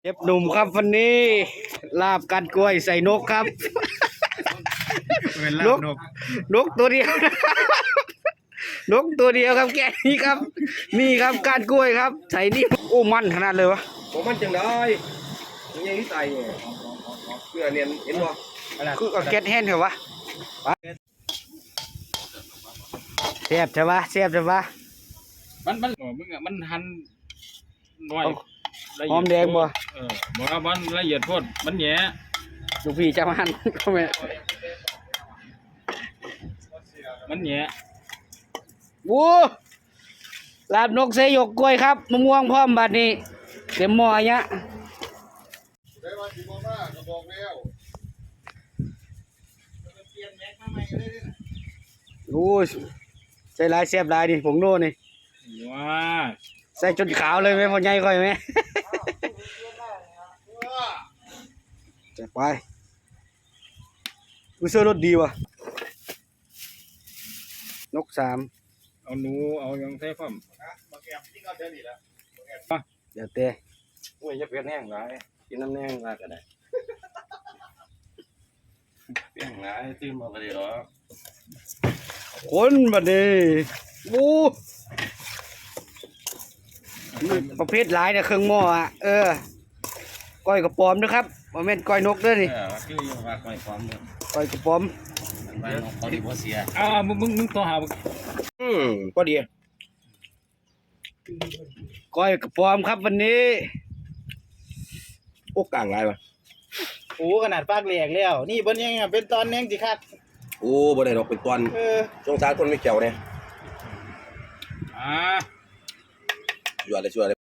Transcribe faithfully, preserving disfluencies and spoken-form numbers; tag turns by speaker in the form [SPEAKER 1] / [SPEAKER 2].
[SPEAKER 1] เชฟหนุ่มครับวันนี้ลาบกัดกล้วยใส่นกครับนกนกตัวเดียวนกตัวเดียวครับแกนี่ครับนี่ครับก้านกล้วยครับใส่นี่โอ้มันขนาดเลยวะ
[SPEAKER 2] ผมมันจังได้ยังไงที่ตายเนี่ยเพื่อเนี่ยเห็นบ่
[SPEAKER 1] คือเอาแก๊สแห้งเถอะวะเสียบใช่ปะเสียบใช่ปะ
[SPEAKER 3] มันมันมึงอ่ะมันหั่นน้อย
[SPEAKER 1] หอมแดงบ่
[SPEAKER 3] เออบ่ว่ามันละเอียดโพดมันแหย่
[SPEAKER 1] ลูกพี่จะมาหั่นก็ไม่
[SPEAKER 3] มันแหย่
[SPEAKER 1] โว้ลาบนกเสยกกล้วยครับมะม่วงพร้อมบัดนี้เต็มหม้อเนี้ยโอ้ยใส่ลายเสียบลายดิผงโน่นี่
[SPEAKER 3] ว้า
[SPEAKER 1] ใส่จนขาวเลยไหมพอใหญ่ค่อยไหม จะไปกูเสื้อรถดีว่ะนกสาม
[SPEAKER 3] เอาหนูเอาหยังใส่พร้อม
[SPEAKER 1] เดี๋ยวเตะ
[SPEAKER 2] โอ้ยจะเปลี่ยนแห้งหลายกินน้ำแห้งมากก็ได้เปลี่ยนหลายตื่นมาก็ได้หรอ
[SPEAKER 1] คนบัดนี้โอ้ประเภทหลายเนี่ยเครื่องหม้ออ่ะเออก้อยกระป๋อมนะครับบ่แม่นก้อยนกเด้อนี่
[SPEAKER 2] เออคือยังว่าไม่ความเนี่ย
[SPEAKER 1] ก้อยกระป๋อม
[SPEAKER 2] ไปน้องเขาดีบ่เสีย
[SPEAKER 3] อ้าวมึงมึงมึงตัวหามึง
[SPEAKER 2] อืมพอดี
[SPEAKER 1] ก้อยกระป๋อมครับวันนี้
[SPEAKER 2] โอ้กลางหลายว่ะ
[SPEAKER 4] โอ้ขนาดปากแหลกแล้วนี่บนยังเป็นตอนแนงสิครับ
[SPEAKER 2] โอ้บ่ได้ดอกเป็นตอน
[SPEAKER 4] เออ
[SPEAKER 2] สงสารคนไม่เกี่ยวเนี่ย
[SPEAKER 3] อ่า
[SPEAKER 2] ชัวร์เลยชัวร์เลย